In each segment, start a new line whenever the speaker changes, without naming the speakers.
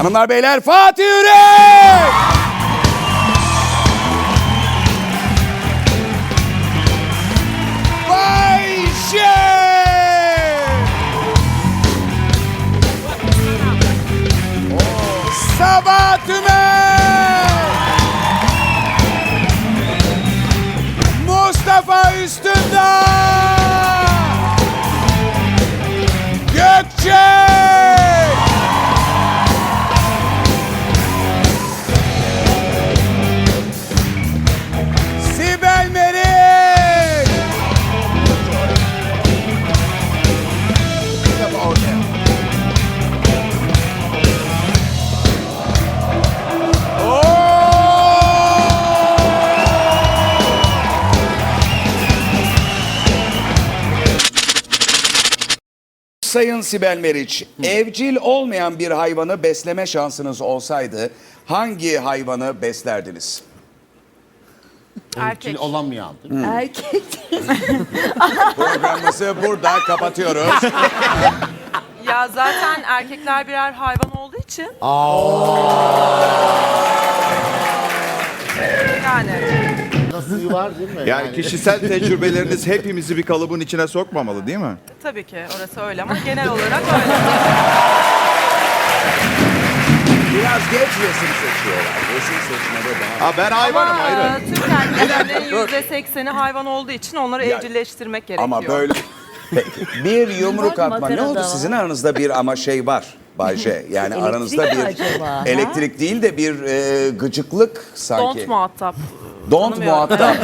Hanımlar beyler Fatih Yürek! Bayşe! Sabah Tümer! Mustafa Üstündağ! Gökçe! Sibel Meriç! Sayın Sibel Meriç, evcil olmayan bir hayvanı besleme şansınız olsaydı hangi hayvanı beslerdiniz?
Erkek.
Olamayan.
Erkek.
Programımızı burada kapatıyoruz.
Ya zaten erkekler birer hayvan olduğu için. Yani.
Nasıl var değil mi?
Yani kişisel tecrübeleriniz hepimizi bir kalıbın içine sokmamalı değil mi?
Tabii ki orası öyle ama genel olarak öyle.
Biraz geç resim seçiyorlar. Resim seçmede daha...
Ha ben hayvanım ayrı.
Türk erkeklerinin %80'i hayvan olduğu için onları evcilleştirmek gerekiyor.
Ama böyle... Peki, bir yumruk
Bak,
atma. Ne
makarada
oldu?
var.
Sizin aranızda bir ama şey var Bayce. Yani
Elektrik
aranızda
mi
bir...
acaba, ha?
Elektrik değil de bir gıcıklık sanki.
Don't muhatap.
Don't
Tanımıyorum.
muhatap.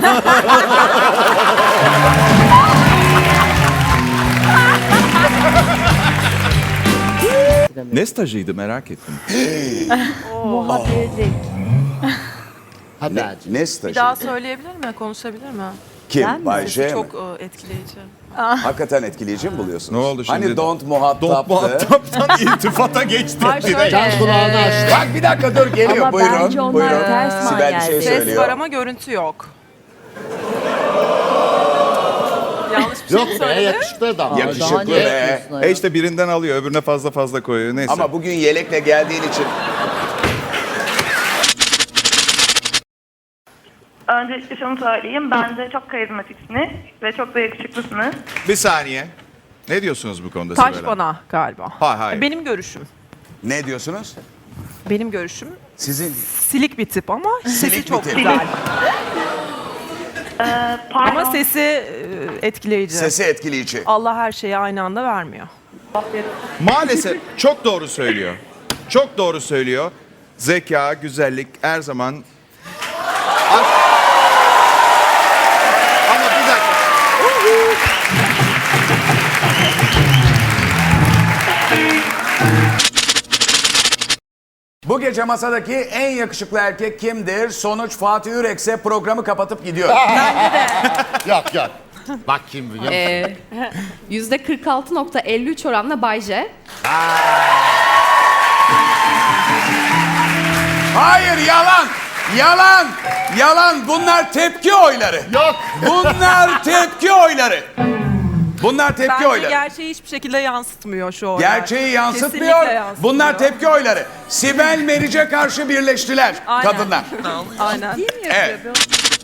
Ne stajıydı merak ettim.
Muhabbetlik.
Hadi
Ne,
Ercim.
ne
Bir
stajı?
daha söyleyebilir mi? Konuşabilir mi?
Kim?
Ben mi?
Bayce mi?
Çok etkileyici.
Hakikaten etkileyici mi buluyorsun?
Ne oldu şimdi?
Hani don't muhataptı.
Don't muhataptan iltifata geçti.
Hayır, şöyle.
Can kulağını açtı.
Bak bir dakika dur geliyor.
Ama
Buyurun.
bence onlar
Buyurun.
ters
Sibel bir şey
manyel.
Ses
söylüyor.
var ama görüntü yok. Yanlış bir şey
Yok
mi
be
söyledim?
yakışıklı adam.
Yakışıklı
Daha ne
be.
yapıyorsun ayol?
işte birinden alıyor öbürüne fazla koyuyor neyse.
Ama bugün yelekle geldiğin için
Öncelikle şunu söyleyeyim. Bence çok karizmatiksiniz ve çok da yakışıklısınız.
Bir saniye. Ne diyorsunuz bu konuda
Taş
Sibel
bana galiba.
Hayır.
Benim görüşüm.
ne diyorsunuz?
Benim görüşüm.
Sizin
Silik bir tip ama sesi
Silik bir
çok
tip.
güzel.
Pardon.
Ama sesi etkileyici.
sesi etkileyici.
Allah her şeyi aynı anda vermiyor.
Maalesef çok doğru söylüyor. Çok doğru söylüyor. Zeka, güzellik her zaman... Ama bir dakika.
Bu gece masadaki en yakışıklı erkek kimdir? Sonuç Fatih Yürekse programı kapatıp gidiyor.
Yok. Bak kim biliyor musun?
%46.53 oranla Bayce.
Hayır yalan. Yalan. Yalan. Bunlar tepki oyları.
Yok.
Bunlar tepki oyları. Bunlar tepki
Bence
oyları.
gerçeği hiçbir şekilde yansıtmıyor şu oylar.
Gerçeği yansıtmıyor.
Kesinlikle yansıtmıyor.
Bunlar tepki oyları. Sibel Meriç'e karşı birleştiler
Aynen.
kadınlar.
Aynen.
Evet.